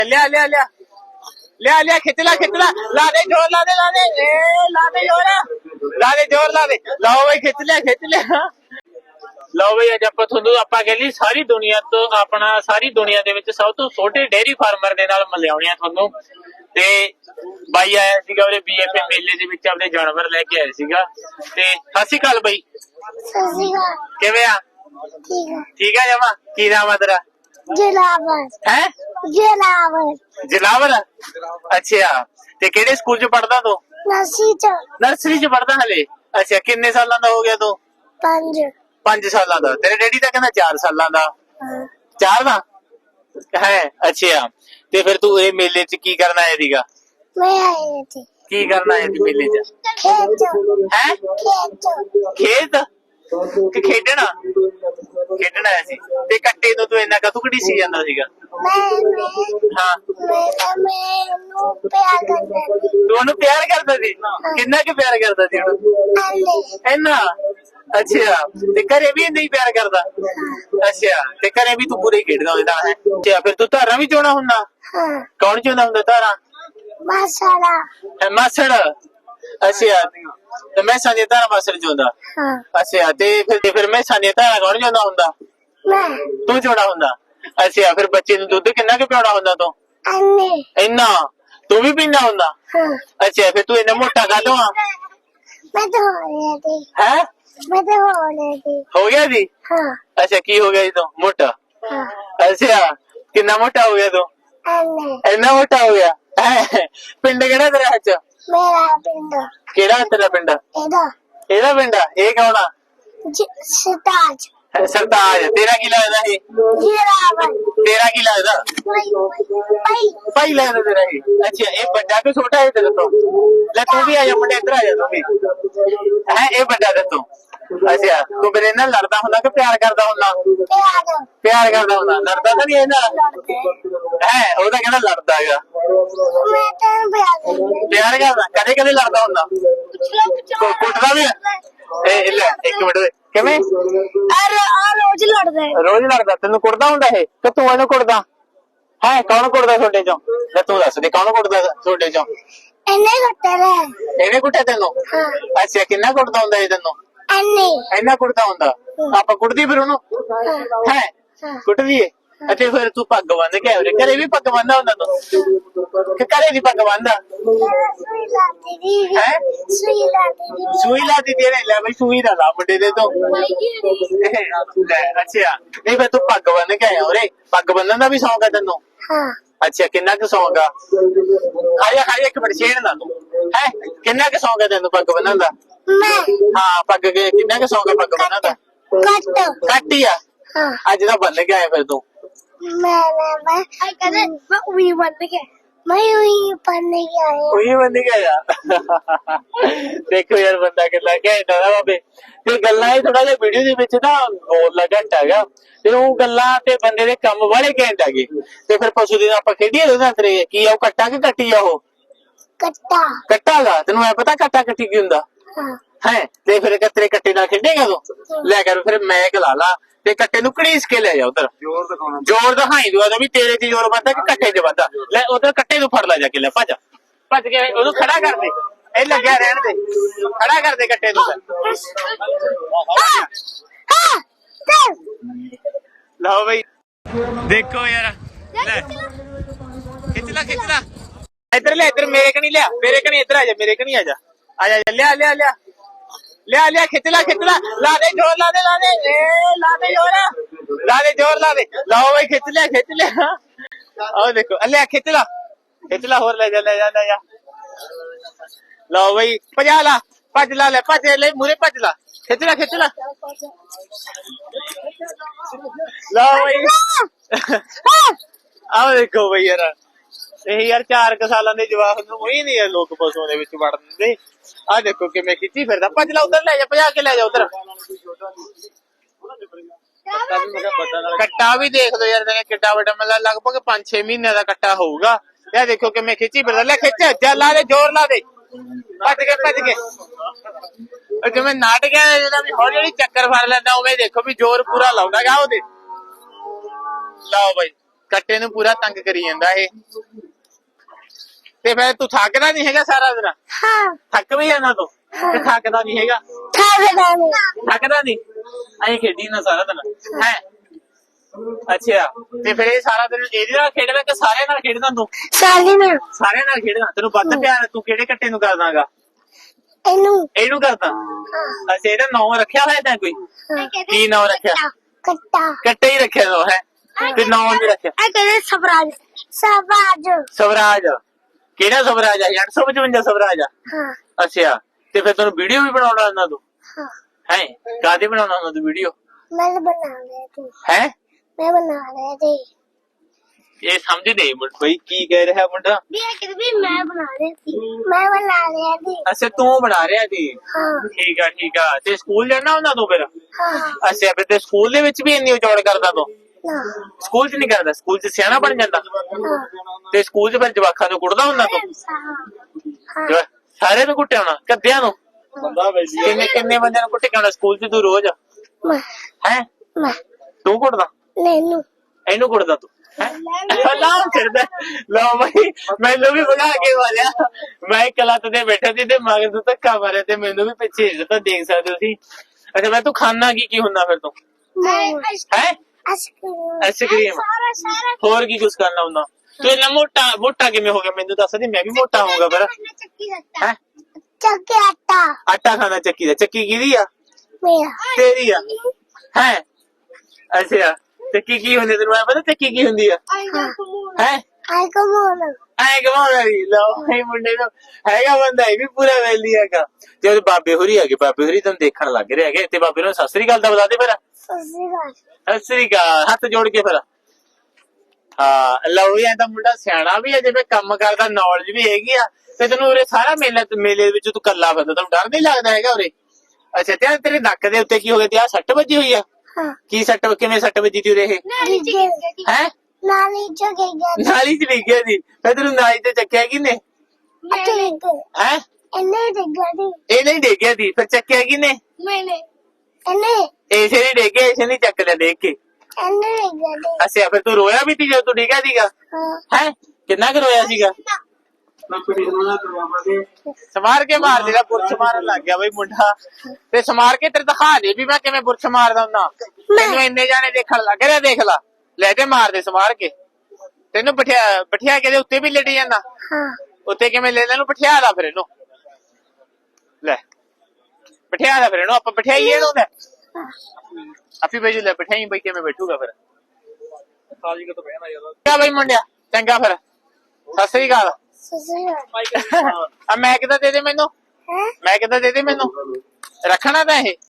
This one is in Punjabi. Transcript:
ਲਿਆ ਲਿਆ ਲਿਆ ਲਿਆ ਲਿਆ ਖਿੱਚ ਲਾ ਲਾ ਦੇ ਜ਼ੋਰ ਲਾ ਦੇ ਲਾ ਦੇ ਜ਼ੋਰ ਲਾ ਦੇ ਜ਼ੋਰ ਲਾ ਦੇ। ਲਓ ਬਈ ਖਿੱਚ ਲਿਆ ਲਓ ਬਈ ਅੱਜ ਆਪਾਂ ਤੁਹਾਨੂੰ ਆਪਾਂ ਕਹਿ ਲਈ ਸਾਰੀ ਦੁਨੀਆ ਤੋਂ ਆਪਣਾ ਸਾਰੀ ਦੁਨੀਆ ਦੇ ਵਿੱਚ ਸਭ ਤੋਂ ਛੋਟੇ ਡੇਅਰੀ ਫਾਰਮਰ ਦੇ ਨਾਲ ਮਿਲਾਉਣੇ ਆ ਤੁਹਾਨੂੰ। ਤੇ ਬਾਈ ਆਇਆ ਸੀਗਾ ਉਹਦੇ BFA ਮੇਲੇ ਦੇ ਵਿੱਚ ਆਪਣੇ ਜਾਨਵਰ ਲੈ ਕੇ ਆਇਆ ਸੀਗਾ। ਤੇ ਸਤਿ ਸ਼੍ਰੀ ਅਕਾਲ ਬਾਈ। ਕਿਵੇਂ ਆ? ਠੀਕ ਆ ਜਮਾ। ਕੀ ਨਾਮ ਆ ਤੇਰਾ? ਜਲਾਵਰ ਹੈ ਜਲਾਵਰ। ਅੱਛਾ ਤੇ ਕਿਹੜੇ ਸਕੂਲ ਚ ਪੜਦਾ ਤੂੰ? ਨਰਸਰੀ ਚ ਪੜਦਾ ਹਲੇ। ਅੱਛਾ ਕਿੰਨੇ ਸਾਲਾਂ ਦਾ ਹੋ ਗਿਆ ਤੂੰ? 5 ਸਾਲਾਂ ਦਾ। ਤੇਰੇ ਡੈਡੀ ਤਾਂ ਕਹਿੰਦਾ 4 ਸਾਲਾਂ ਦਾ। 4 ਦਾ ਹੈ। ਅੱਛਾ ਤੇ ਫਿਰ ਤੂੰ ਇਹ ਮੇਲੇ ਚ ਕੀ ਕਰਨ ਆਇਆ ਸੀਗਾ? ਕੀ ਕਰਨ ਆਇਆ ਸੀ ਮੇਲੇ ਚ? ਹੈ ਖੇਤ ਕਿ ਖੇਡਣਾ ਆਇਆ ਸੀ। ਤੇ ਕੱਟੇ ਤੋਂ ਤੂੰ ਇੰਨਾ ਕਦੋਂ ਘੜੀਸੀ ਜਾਂਦਾ ਸੀਗਾ? ਹਾਂ ਤੂੰ ਉਹਨੂੰ ਪਿਆਰ ਕਰਦਾ ਸੀ? ਕਿੰਨਾ ਕੁ ਪਿਆਰ ਕਰਦਾ ਸੀ ਉਹਨੂੰ? ਇੰਨਾ? ਅੱਛਾ ਤੇ ਘਰੇ ਵੀ ਇੰਨਾ ਹੀ ਪਿਆਰ ਕਰਦਾ? ਅੱਛਾ ਤੇ ਘਰੇ ਵੀ ਤੂੰ ਪੂਰੇ ਖੇਡਦਾ ਹੁੰਦਾ ਹੈ? ਅੱਛਾ ਫਿਰ ਤੂੰ ਧਾਰਾਂ ਵੀ ਚੋਣਾ ਹੁੰਦਾ? ਕੌਣ ਚੋਂਦਾ ਹੁੰਦਾ ਧਾਰਾਂ? ਮਾਸੜ। ਅੱਛਾ ਤੇ ਮੈਸਾਂ ਦੀਆਂ ਧਾਰਾਂ ਮਾਸੜ ਚੋਂਦਾ? ਅੱਛਾ ਤੇ ਫਿਰ ਮੈਸਾਂ ਦੀਆਂ ਧਾਰਾਂ ਕੌਣ ਚੋਂਦਾ ਹੁੰਦਾ? ਤੂੰ ਚੋਣਾ ਹੁੰਦਾ? ਅੱਛਾ ਫਿਰ ਬੱਚੇ ਨੂੰ ਦੁੱਧ ਕਿੰਨਾ ਕੁ ਪਿਆਉਣਾ ਹੁੰਦਾ ਤੂੰ? ਇੰਨਾ? ਤੂੰ ਵੀ ਪੀਂਦਾ ਹੁੰਦਾ? ਅੱਛਾ ਫਿਰ ਤੂੰ ਇੰਨਾ ਮੋਟਾ ਕਾਹਤੋਂ ਆ? ਹੈ ਹੋ ਗਿਆ ਜੀ? ਅੱਛਾ ਕੀ ਹੋ ਗਿਆ ਜੀ ਤੂੰ ਮੋਟਾ? ਅੱਛਾ ਕਿੰਨਾ ਮੋਟਾ ਹੋ ਗਿਆ ਤੂੰ? ਇੰਨਾ ਮੋਟਾ ਹੋ ਗਿਆ। ਪਿੰਡ ਕਿਹੜਾ ਤੇਰਾ? ਅੱਜ ਕਿਹੜਾ ਤੇਰਾ ਪਿੰਡ? ਇਹਦਾ ਪਿੰਡ? ਇਹ ਕੌਣ ਆ? ਸਰਤਾਜ। ਤੇਰਾ ਕੀ ਲੱਗਦਾ ਇਹ? ਤੇਰਾ ਕੀ ਲੱਗਦਾ? ਭਾਈ ਲੱਗਦਾ ਤੇਰਾ ਇਹ? ਅੱਛਾ ਇਹ ਵੱਡਾ ਕਿ ਛੋਟਾ ਹੈ ਤੇਰੇ ਤੋਂ? ਲੈ ਤੂੰ ਵੀ ਆ ਜਾ ਮੁੰਡੇ ਇੱਧਰ ਆ ਜਾ ਤੂੰ ਵੀ। ਹੈ ਇਹ ਵੱਡਾ ਤੇ ਤੂੰ? ਅੱਛਾ ਤੂੰ ਮੇਰੇ ਨਾਲ ਲੜਦਾ ਹੁੰਦਾ ਕਿ ਪਿਆਰ ਕਰਦਾ ਹੁੰਦਾ? ਪਿਆਰ ਕਰਦਾ ਹੁੰਦਾ। ਲੜਦਾ ਤਾਂ ਨਹੀਂ ਇਹ ਨਾਲ? ਹੈ ਉਹ ਤਾਂ ਕਹਿੰਦਾ ਲੜਦਾ ਹੈਗਾ। ਪਿਆਰ ਕਰਦਾ? ਕਦੇ ਕਦੇ ਲੜਦਾ ਹੁੰਦਾ? ਕੁੱਟਦਾ ਵੀ? ਇਹ ਲੈ ਇੱਕ ਮਿੰਟ ਕਿਵੇਂ? ਰੋਜ਼ ਲੜਦਾ? ਤੈਨੂੰ ਕੁੱਟਦਾ ਹੁੰਦਾ ਇਹ ਕਿ ਤੂੰ ਇਹਨੂੰ ਕੁੱਟਦਾ? ਹੈ ਕੌਣ ਕੁੱਟਦਾ ਤੁਹਾਡੇ ਚੋਂ? ਲੈ ਤੂੰ ਦੱਸ ਦੇ ਕੌਣ ਕੁੱਟਦਾ ਤੁਹਾਡੇ ਚੋਂ? ਇਹਨੇ ਕੁੱਟਿਆ ਤੈਨੂੰ? ਅੱਛਾ ਕਿੰਨਾ ਕੁੱਟਦਾ ਹੁੰਦਾ ਇਹ ਤੈਨੂੰ? ਇੰਨਾ ਕੁੱਟਦਾ ਹੁੰਦਾ? ਆਪਾਂ ਕੁੱਟਦੀ ਫਿਰ ਉਹਨੂੰ? ਹੈ ਕੁੱਟਦੀ ਏ? ਅਤੇ ਫਿਰ ਤੂੰ ਪੱਗ ਬੰਨ ਕੇ ਆਇਆ? ਘਰੇ ਵੀ ਪੱਗ ਬੰਨਦਾ ਹੁੰਦਾ ਤੂੰ ਕਿ ਘਰੇ ਦੀ ਪੱਗ ਬੰਨਦਾ? ਹੈ ਸੂਈ ਲਾ ਦਿੱਤੀ ਇਹਨੇ? ਲੈ ਬਈ ਸੂਈ ਨਾ ਲਾ ਮੁੰਡੇ ਦੇ ਤੋਂ। ਅੱਛਾ ਨਹੀਂ ਫਿਰ ਤੂੰ ਪੱਗ ਬੰਨ ਕੇ ਆਇਆ ਉਰੇ? ਪੱਗ ਬੰਨਣ ਦਾ ਵੀ ਸ਼ੌਂਕ ਹੈ ਤੈਨੂੰ? ਅੱਛਾ ਕਿੰਨਾ ਕੁ ਸ਼ੌਂਕ ਆ? ਖਾਇਆ ਇੱਕ ਮਿੰਟ ਛੇੜ ਨਾ ਤੂੰ। ਹੈ ਕਿੰਨਾ ਕੁ ਸ਼ੌਂਕ ਹੈ ਤੈਨੂੰ ਪੱਗ ਬੰਨਣ ਦਾ? ਹਾਂ ਪੱਗ ਕਿੰਨਾ ਕੁ ਸ਼ੌਂਕ ਹੈ ਪੱਗ ਬੰਨਣ ਦਾ? ਘੱਟ ਹੀ ਆ? ਅੱਜ ਤਾਂ ਬੰਨ ਕੇ ਆਇਆ ਫਿਰ ਤੂੰ? ਉਹੀ ਬੰਨ ਕੇ ਆਇਆ। ਦੇਖੋ ਯਾਰ ਬੰਦਾ ਕਿੰਨਾ ਘੈਂਟ ਆ ਬਾਬੇ। ਤੇ ਗੱਲਾਂ ਇਹ ਥੋੜਾ ਜਿਹਾ ਵੀਡੀਓ ਦੇ ਵਿੱਚ ਨਾ ਬੋਲਣਾ ਘੱਟ ਹੈਗਾ ਤੇ ਉਹ ਗੱਲਾਂ ਤੇ ਬੰਦੇ ਦੇ ਕੰਮ ਵਾਲੇ ਘੈਂਟ ਹੈਗੇ। ਤੇ ਫਿਰ ਪਸ਼ੂ ਦੇ ਆਪਾਂ ਖੇਡੀਏ ਉਹਦੇ ਤੇਰੇ ਕੀ ਆ? ਉਹ ਕੱਟਾ ਕਿ ਕੱਟੀ ਆ? ਉਹ ਕੱਟਾ ਗਾ? ਤੈਨੂੰ ਐ ਪਤਾ ਕੱਟਾ ਕੱਟੀ ਕੀ ਹੁੰਦਾ? ਹੈ ਤੇ ਫਿਰ ਤੇਰੇ ਕੱਟੇ ਨਾਲ ਖੇਡੇਗਾ ਤੂੰ? ਲੈ ਕਰ ਫਿਰ ਮੈਂ ਗਲਾ ਲਾ ਤੇ ਕੱਟੇ ਨੂੰ ਘੜੀਸ ਕੇ ਲੈ ਜਾ ਉਧਰ। ਜ਼ੋਰ ਦਿਖਾਈ ਦੂਆ ਵੀ ਤੇਰੇ ਚ ਜ਼ੋਰ ਵੱਧਦਾ ਕਿ ਕੱਟੇ ਚ ਵੱਧਦਾ। ਲੈ ਉਧਰ ਕੱਟੇ ਨੂੰ ਫੜ ਲੈ ਜਾ ਕੇ। ਲੈ ਭੱਜ ਕੇ ਉਹਨੂੰ ਖੜਾ ਕਰ ਦੇ। ਇਹ ਲੱਗਿਆ ਰਹਿਣ ਦੇ। ਖੜਾ ਕਰ ਦੇ ਕੱਟੇ ਨੂੰ। ਲਓ ਬਈ ਦੇਖੋ ਯਾਰ। ਲੈ ਖਿੱਚ ਲਾ ਇੱਧਰ ਲੈ। ਇੱਧਰ ਮੇਰੇ ਕਣੀ ਲਿਆ। ਮੇਰੇ ਕਣੀ ਇੱਧਰ ਆ ਜਾ। ਮੇਰੇ ਕਣੀ ਆ ਜਾ। ਲਿਆ ਖਿੱਚ ਲਾ ਲਾ ਦੇ ਜ਼ੋਰ ਲਾ ਦੇ ਜ਼ੋਰ ਲਾ ਦੇ। ਲਓ ਬਈ ਖਿੱਚ ਲਿਆ। ਆਹ ਦੇਖੋ ਲਿਆ ਖਿੱਚ ਲਾ ਹੋਰ ਲੈ ਜਾ। ਲਓ ਬਈ ਭਜਾ ਲਾ ਭੱਜ ਲਾ। ਲੈ ਭੱਜ ਲੈ ਮੂਰੇ ਭੱਜ ਲਾ। ਖਿੱਚ ਲਾ ਲਓ ਬਈ ਆਹ ਦੇਖੋ ਬਈ ਯਾਰ ਇਹ ਯਾਰ 4 ਸਾਲਾਂ ਦੇ ਜਵਾਕ ਨੂੰ ਉਹੀ ਨੀ ਲੋਕ ਪਸ਼ੂਆਂ ਦੇ ਵਿੱਚ ਵੜ ਦਿੰਦੇ। ਆਹ ਦੇਖੋ ਕਿਵੇਂ ਖਿੱਚੀ ਫਿਰਦਾ। ਭੱਜ ਲਾ ਉਧਰ ਲੈ ਜਾ। ਭਜਾ ਕੇ ਲੈ ਜਾ ਉਧਰ। ਕੱਟਾ ਵੀ ਦੇਖ ਲੋ ਯਾਰ ਕਿੱਡਾ ਵੱਡਾ ਮਤਲਬ ਲਗਭਗ 5-6 ਮਹੀਨਿਆਂ ਦਾ ਕੱਟਾ ਹੋਊਗਾ। ਇਹ ਦੇਖੋ ਕਿਵੇਂ ਖਿੱਚੀ ਫਿਰਦਾ। ਲੈ ਖਿੱਚ ਲਾ ਦੇ ਜ਼ੋਰ ਲਾ ਦੇ। ਭੱਜ ਕੇ ਜਿਵੇਂ ਨਾਟਕ ਹੈ ਜਿਹੜਾ ਵੀ ਹੌਲੀ ਹੌਲੀ ਚੱਕਰ ਫੜ ਲੈਂਦਾ ਉਵੇਂ ਦੇਖੋ ਵੀ ਜ਼ੋਰ ਪੂਰਾ ਲਾਉਂਦਾ ਗਾ ਉਹਦੇ। ਲਓ ਬਈ ਕੱਟੇ ਨੂੰ ਪੂਰਾ ਤੰਗ ਕਰੀ ਜਾਂਦਾ ਇਹ। ਤੇ ਫਿਰ ਤੂੰ ਥੱਕਦਾ ਨਹੀਂ ਹੈਗਾ ਸਾਰਾ ਦਿਨ? ਹਾਂ ਥੱਕ ਵੀ ਜਾਂਦਾ ਤੂੰ ਤੇ ਥੱਕਦਾ ਨਹੀਂ ਹੈਗਾ? ਥੱਕਦਾ ਨਹੀਂ, ਐਂ ਖੇਡੀ ਨਾ ਸਾਰਾ ਦਿਨ ਹੈ। ਅੱਛਾ, ਤੇ ਫਿਰ ਇਹ ਸਾਰਾ ਦਿਨ ਇਹਦੇ ਨਾਲ ਖੇਡਦਾ ਕਿ ਸਾਰਿਆਂ ਨਾਲ ਖੇਡਦਾ ਤੂੰ? ਸਾਲੀ ਨੇ ਸਾਰਿਆਂ ਨਾਲ ਖੇਡਦਾ। ਤੈਨੂੰ ਵੱਧ ਪਿਆਰ ਤੂੰ ਕਿਹੜੇ ਕੱਟੇ ਨੂੰ ਕਰਦਾਗਾ? ਇਹਨੂੰ ਕਰਦਾ। ਅੱਛਾ, ਇਹਦਾ ਨਾਂ ਰੱਖਿਆ ਹੋਇਆ ਤਾਂ ਕੋਈ? ਕੀ ਨਾਂ ਰੱਖਿਆ? ਕੱਟਾ ਕੱਟੇ ਹੀ ਰੱਖਿਆ ਤੂੰ ਹੈ ਤੇ ਨਾਂ ਨਹੀਂ ਰੱਖਿਆ? ਇਹ ਕਹਿੰਦੇ ਸਵਰਾਜ। ਸਵਰਾਜ ਸਵਰਾਜ। ਕਿਹੜਾ ਸਵਰਾਜ ਆ? 855 ਸਵਰਾਜ ਆ? ਹਾਂ ਅੱਛਾ, ਤੇ ਫਿਰ ਤੈਨੂੰ ਵੀਡੀਓ ਵੀ ਬਣਾਉਣਾ ਆਉਂਦਾ ਤੂੰ? ਹਾਂ ਹੈ ਕਾਹਦੀ ਬਣਾਉਣਾ ਆਉਂਦਾ ਤੂੰ ਵੀਡੀਓ? ਮੈਂ ਬਣਾ ਲਿਆ ਤੂੰ ਹੈ ਮੈਂ ਬਣਾ ਲਿਆ ਤੇ ਇਹ ਸਮਝ ਨਹੀਂ ਮੁੰਡਾ ਬਈ ਕੀ ਕਹਿ ਰਿਹਾ ਮੁੰਡਾ। ਵੀ ਮੈਂ ਬਣਾ ਲਿਆ ਸੀ ਮੈਂ ਬਣਾ ਲਿਆ ਸੀ। ਅੱਛਾ, ਤੂੰ ਬਣਾ ਰਿਹਾ ਸੀ। ਹਾਂ ਠੀਕ ਆ ਠੀਕ ਆ। ਤੇ ਸਕੂਲ ਜਾਣਾ ਹੁੰਦਾ ਤੂੰ ਫਿਰ? ਹਾਂ ਅੱਛਾ, ਫਿਰ ਤੇ ਸਕੂਲ ਦੇ ਵਿੱਚ ਵੀ ਇੰਨੀ ਉਚੌੜ ਕਰਦਾ ਤੂੰ? ਨਾ ਸਕੂਲ 'ਚ ਨਹੀਂ ਕਰਦਾ? ਸਕੂਲ 'ਚ ਸਿਆਣਾ ਬਣ ਜਾਂਦਾ? ਹਾਂ ਤੇ ਸਕੂਲ 'ਚ ਫਿਰ ਜਵਾਕਾਂ ਨੂੰ ਕੁੱਟਦਾ ਹੁੰਦਾ ਤੂੰ? ਹਾਂ ਸਾਰੇ ਨੂੰ ਕੁੱਟਿਆ ਹੋਣਾ? ਕੱਦਿਆਂ ਨੂੰ? ਕਿੰਨੇ ਕਿੰਨੇ ਬੰਦਿਆਂ ਨੂੰ ਕੁੱਟ ਕੇ ਆਉਣਾ ਸਕੂਲ 'ਚ ਤੂੰ ਰੋਜ਼? ਮੈਂ ਹੈ ਮੈਂ ਤੂੰ ਕੁੱਟਦਾ? ਨੈਨੂੰ ਇਹਨੂੰ ਕੁੱਟਦਾ ਤੂੰ? ਲਾਉ ਕਰਦਾ। ਲਓ ਬਈ, ਮੈਨੂੰ ਵੀ ਭਗਾ ਕੇ ਮਾਰਿਆ। ਮੈਂ ਇੱਕ ਲੱਤ ਤੇ ਬੈਠਾ ਸੀ ਤੇ ਮਗਰ ਤੋਂ ਧੱਕਾ ਮਾਰਿਆ ਤੇ ਮੈਨੂੰ ਵੀ ਪਿੱਛੇ ਹਿੱਲਦਾ, ਦੇਖ ਸਕਦੇ ਹੋ ਤੁਸੀਂ। ਅੱਛਾ, ਮੈਂ ਤੂੰ ਖਾਣਾ ਕੀ ਹੁੰਦਾ ਫਿਰ ਤੂੰ? ਹੈ ਆਈਸਕ੍ਰੀਮ। ਹੋਰ ਕੀ ਕੁਛ ਕਰਨਾ ਹੁੰਦਾ? ਤੂੰ ਇੰਨਾ ਮੋਟਾ ਕਿਵੇਂ ਹੋ ਗਿਆ ਮੈਨੂੰ ਦੱਸ ਦੇ, ਮੈਂ ਵੀ ਮੋਟਾ ਹੋਊਗਾ ਫਿਰ। ਹੈ ਚੱਕੀ ਆਟਾ ਆਟਾ ਖਾਣਾ ਚੱਕੀ ਦਾ? ਚੱਕੀ ਕਿਹਦੀ ਆ? ਮੇਰਾ ਤੇਰੀ ਆ? ਹੈ ਅੱਛਾ, ਚੱਕੀ ਕੀ ਹੁੰਦੀ ਤੈਨੂੰ ਐ ਪਤਾ ਚੱਕੀ ਕੀ ਹੁੰਦੀ ਆ? ਹੈ ਆਈ ਕਮੋਨ ਐ ਕਮਾਉਣਾ ਵੀ ਲਓ ਇਹ ਮੁੰਡੇ ਨੂੰ ਹੈਗਾ ਬੰਦਾ, ਇਹ ਵੀ ਪੂਰਾ ਵੈਲੀ ਹੈਗਾ। ਤੇ ਉਹਦੇ ਬਾਬੇ ਹੋਰੀ ਹੈਗੇ, ਬਾਬੇ ਹੋਰੀ ਤੁਹਾਨੂੰ ਦੇਖਣ ਲੱਗ ਰਹੇ ਹੈਗੇ। ਤੇ ਬਾਬੇ ਨੂੰ ਸਤਿ ਸ੍ਰੀ ਅਕਾਲ ਦਾ ਬੁਲਾ ਦੇ ਫਿਰ। ਸਤਿ ਸ੍ਰੀ ਅਕਾਲ, ਹੱਥ ਜੋੜ ਕੇ ਫਿਰ। ਹਾਂ ਲਓ ਵੀ, ਐ ਤਾਂ ਮੁੰਡਾ ਸਿਆਣਾ ਵੀ ਹੈ, ਜਿਵੇਂ ਕੰਮ ਕਰਦਾ, ਨੌਲੇਜ ਵੀ ਹੈਗੀ ਆ। ਤੇ ਤੈਨੂੰ ਉਰੇ ਸਾਰਾ ਮੇਲੇ ਦੇ ਵਿੱਚ ਤੂੰ ਕੱਲਾ ਫਿਰਦਾ, ਤੈਨੂੰ ਡਰ ਨਹੀਂ ਲੱਗਦਾ ਹੈਗਾ ਉਰੇ? ਅੱਛਾ, ਤੇ ਤੇਰੇ ਨੱਕ ਦੇ ਉੱਤੇ ਕੀ ਹੋ ਗਿਆ? ਤੇ ਆਹ ਸੱਟ ਵੱਜੀ ਹੋਈ ਆ? ਹਾਂ ਕੀ ਸੱਟ, ਕਿਵੇਂ ਸੱਟ ਵੱਜੀ ਤੀ ਉਰੇ ਇਹ? ਹੈ ਨਾਲੀ ਚ ਗਿਆ ਨਾਲੀ ਚ ਡਿੱਗ ਗਿਆ ਸੀ? ਫਿਰ ਤੈਨੂੰ ਨਾਲੀ ਤੇ ਚੱਕਿਆ ਕਿਨੇ? ਹੈ ਇਹਨੇ ਡਿੱਗਿਆ ਸੀ ਇਹ ਨਹੀਂ ਡਿੱਗਿਆ ਸੀ, ਫਿਰ ਚੱਕਿਆ ਕਿਨੇ? ਮੈਨੇ ਇਹਨੇ ਇਸੇ ਨੇ ਡਿੱਗਿਆ, ਇਸੇ ਨੇ ਚੱਕ ਲਿਆ ਦੇਖ ਕੇ। ਇਹਨੇ ਡਿੱਗਿਆ ਸੀ ਅੱਛਾ, ਫਿਰ ਤੂੰ ਰੋਇਆ ਵੀ ਸੀ ਜਦੋਂ ਤੂੰ ਡਿੱਗਿਆ ਸੀਗਾ? ਹਾਂ ਹੈ ਕਿੰਨਾ ਕੁ ਰੋਇਆ ਸੀਗਾ? ਸਮਾਰ ਕੇ ਮਾਰ ਦੇਗਾ, ਬੁਰਸ਼ ਮਾਰਨ ਲੱਗ ਗਿਆ ਬਈ ਮੁੰਡਾ। ਤੇ ਸਮਾਰ ਕੇ ਤੇਰੇ ਦਿਖਾ ਦੇ ਵੀ ਮੈਂ ਕਿਵੇਂ ਬੁਰਸ਼ ਮਾਰਦਾ ਹੁੰਦਾ। ਤੈਨੂੰ ਇੰਨੇ ਜਾਣੇ ਦੇਖਣ ਲੱਗ ਰਿਹਾ, ਦੇਖ ਲਾ, ਲੈ ਕੇ ਮਾਰ ਦੇ ਸਮਾਰ ਕੇ। ਤੈਨੂੰ ਬਿਠਿਆ ਕੇ ਦੇ ਉੱਤੇ ਵੀ ਲੇਟੀ ਜਾਂਦਾ? ਹਾਂ ਉੱਤੇ ਕਿਵੇਂ ਲੈ ਲੈਨੂੰ? ਬਿਠਿਆ ਦਾ ਫਿਰ ਇਹਨੂੰ, ਲੈ ਬਿਠਿਆ ਦਾ ਫਿਰ ਇਹਨੂੰ, ਆਪਾਂ ਬਿਠਾਈਏ ਇਹਨੂੰ। ਲੈ ਆਪੀ ਬੈਜੂ, ਲੈ ਬਿਠਾਈ ਬਈ, ਕਿਵੇਂ ਬੈਠੂਗਾ ਫਿਰ? ਕਿਆ ਬਈ ਮੁੰਡਿਆ, ਚੰਗਾ ਫਿਰ, ਸਤਿ ਸ੍ਰੀ ਅਕਾਲ। ਆ ਮੈਂ ਕਿੱਦਾਂ ਦੇ ਦੇ ਮੈਨੂੰ? ਮੈਂ ਕਿੱਦਾਂ ਦੇ ਦੇ ਮੈਨੂੰ? ਰੱਖਣਾ ਤਾਂ ਇਹ